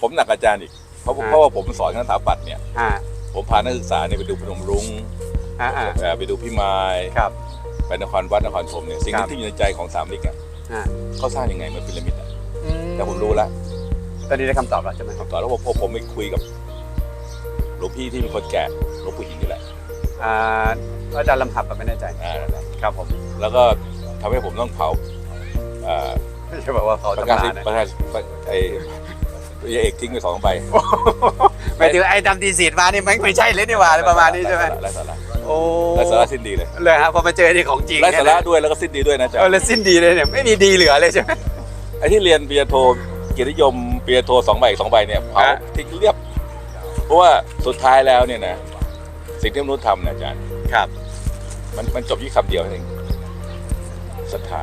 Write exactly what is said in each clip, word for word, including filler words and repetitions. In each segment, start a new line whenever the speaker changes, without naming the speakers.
ผมหนักอาจารย์อีกเพราะเพราะว่าผมสอนคณะสถาปัตย์เนี่ยผมพานักศึกษาเนี่ยไปดูพนมรุ้งไปดูพี่ไม้ไปนครวัดนครธมเนี่ยสิ่งที่อยู่ในใจของสามมิกอ่ะเขาสร้างยังไงเหมือนพีระมิดอ่ะแต่ผมรู้แล้ว
ตอนนี้ได้คำตอบแล้วใช่ไหม
คำตอบแล้วผมผมไปคุยกับหลวงพี่ที่เป็นคนแก่หลวงปู่หินนี่แหละ
อาจารย์ลำหับแบบไม่แน่ใจครับผม
แล้วก็ทำให้ผมต้องเผา
ไม่ใช่บอกว่าเขา
ประกาศประกาศไอ้ยาเอกทิ้งไปสองใบ
ไม่ถึงไอ้ดำดีสีดมานี่ไม่ใช่เลยนี่หว่าประมาณนี้ใช่ไหม
ไร้สาระโอ้ไร้สาระสิ้นดีเลย
เลยครับพอมาเจอที่ของจริง
ไร้สาระด้วยแล้วก็สิ้นดีด้วยนะจ๊ะ
เออแล้วสิ้นดีเลยเนี่ยไม่มีดีเหลือเลยใช่ไหม
ไอ้ที่เรียนปริญญาโทเกียรตินิยมปริญญาโทสองใบสองใบเนี่ยเผาทิ้งเรียบเพราะว่าสุดท้ายแล้วเนี่ยนะสิ่งที่มนุษย์ทำนะอาจารย์
ครับ
มันมันจบที่คำเดียวเองศรัทธา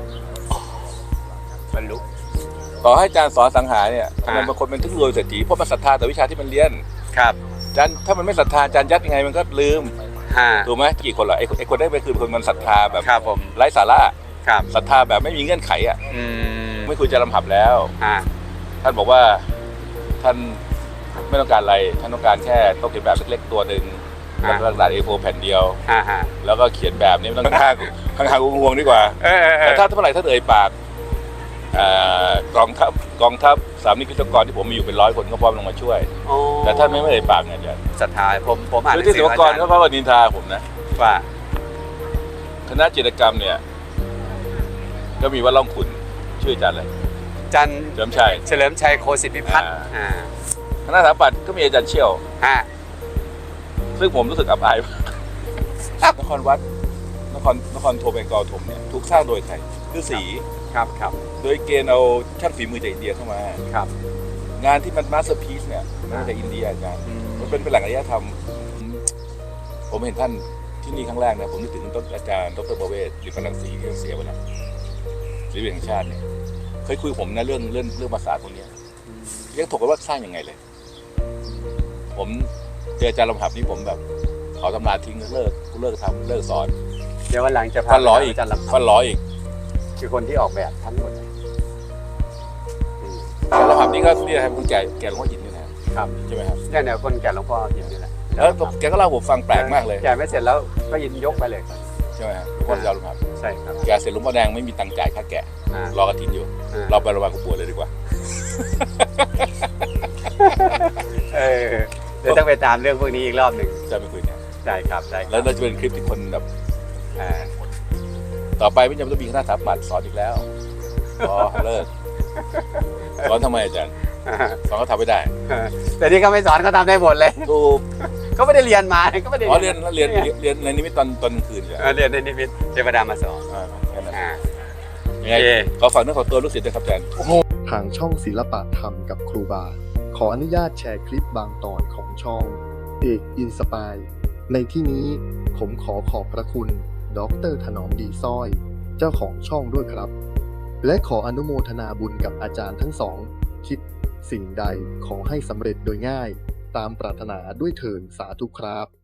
บรรลุ
ต่อให้อาจารย์สอนสังหารเนี่ยทำไมบางคนเป็นถึงรวยเศรษฐีเพราะมันศรัทธาแต่วิชาที่มันเรียน
ครับ
อาจารย์ถ้ามันไม่ศรัทธาอาจารย์ยัดยังไงมันก็ลืมถูกไหมกี่คนหรอไอ้ไอ้คนได้ไปคือคนมันศรัทธาแบบไร้สาระศรัทธาแบบไม่มีเงื่อนไขอ่ะไม่ควรจะลำหับแล้วท่านบอกว่าท่านไม่ต้องการอะไรท่านต้องการแค่โต๊ะเขียนแบบเล็กๆตัวหนึ่งแล้วก็กระดาษ เอ โฟร์ แผ่นเดียวแล้วก็เขียนแบบนี้มันต้องข้างข้างข้างงวงดีกว่าแต่ถ้าเมื่อไหร่ท่านเอ่ยปากกองทัพกองทัพสามนิกิจกรที่ผมมีอยู่เป็นร้อยคนก็พร้อมลงมาช่วยแต่ท่านไม่ไม่เอ่ยปากไงอาจารย์
ศรัทธาผมผมอ่าน
ที่ศิลปกรเขาเขานินทาผมนะ
ว่า
คณะจิตรกรรมเนี่ยก็มีว่าล่องขุนชื่ออาจารย์อะไร
จัน
เฉลิมชัย
เฉลิมชัยโคสิทธิพิพัฒน์
คณะสถาปัตย์ก็มีอาจารย์เชี่ยวซึ่งผมรู้สึกอับอายนครวัดนครนครโทเบงกอลธมเนี่ยถูกสร้างโดยใครฤาษี
ครับครับ
โดยเกณฑ์เอาช่างฝีมือจากอินเดียเข้ามา
ครับ
งานที่มันมาสเตอร์พีซเนี่ยมันมาจากอินเดียอาจารย์มันเป็นเป็นแหล่งอารยธรรมผมเห็นท่านที่นี่ครั้งแรกนะผมนึกถึงต้นอาจารย์ดร.ประเวศหรือฝรั่งศรีที่เสียไปแล้วศิลปินแห่งชาติเนี่ยเคยคุยกับผมนะเรื่องเรื่องเรื่องภาษาตรงนี้ยังถกกันว่าสร้างยังไงเลยผมเจออาจารย์ลำหับนี่ผมแบบขอตำราทิ้งเลิกกูเลิกทำเลิกสอน
เดี๋ยววันหลังจะพา
ฟันร้อยอีกฟันร้อยอีก
คือคนที่ออกแบบทั้งหมด
อาจารย์ลำหับนี่ก็นี่นะครับคุณแก่แก่หลวงพ่อหินนี่นะครับใช่ไหมครับ
เนี่ยเนี่ยคนแก่หลวงพ่อหินนี่แหละ
แล้วแกก็เล่าผมฟังแปลกมากเลย
แก่ไม่เสร็จแล้วก็ยินยกไปเลย
ใช่ไหมครับหลวงพ่ออาจารย์ลำหับ
ใช่ครับ
แกเสร็จหลวงพ่อแดงไม่มีตังค์จ่ายค่าแกะรอกระถินอยู่เราไประบายกับปวดเลยดีกว่า
เออเดี๋ยวต้องไปตามเรื่องพวกนี้อีกรอบหนึ่ง
จะไปคุยเนี่ย
ใช่ครับใช่
แล้วเราจะเป็นคลิปที่คนแบบต่อไปไม่จำเป็นต้องมีคณะสถาปัตย์สอนอีกแล้วอ๋อเลิกสอนทำไมอาจารย์สอนเขาทำไม่ได้
แต่นี่เขาไม่สอนเขาทำได้หมดเลย
ถูก
เขาไม่ได้เรียนมาเขาไม่ได้
อ๋อเรียนเรียนเรียนในนิมิตตอนตอนคืนเหร
อเรียนในนิมิตเทวดามาสอน
ยังไงขอฝากเนื้อขอตัวลูกศิษย์ด้วยครับอาจารย์
ทางช่องศิลปะธรรมกับครูบาขออนุญาตแชร์คลิปบางตอนของช่องเอกอินสปายในที่นี้ผมขอขอบพระคุณดร.ถนอมดีสร้อยเจ้าของช่องด้วยครับและขออนุโมทนาบุญกับอาจารย์ทั้งสองคิดสิ่งใดขอให้สำเร็จโดยง่ายตามปรารถนาด้วยเถิดสาธุครับ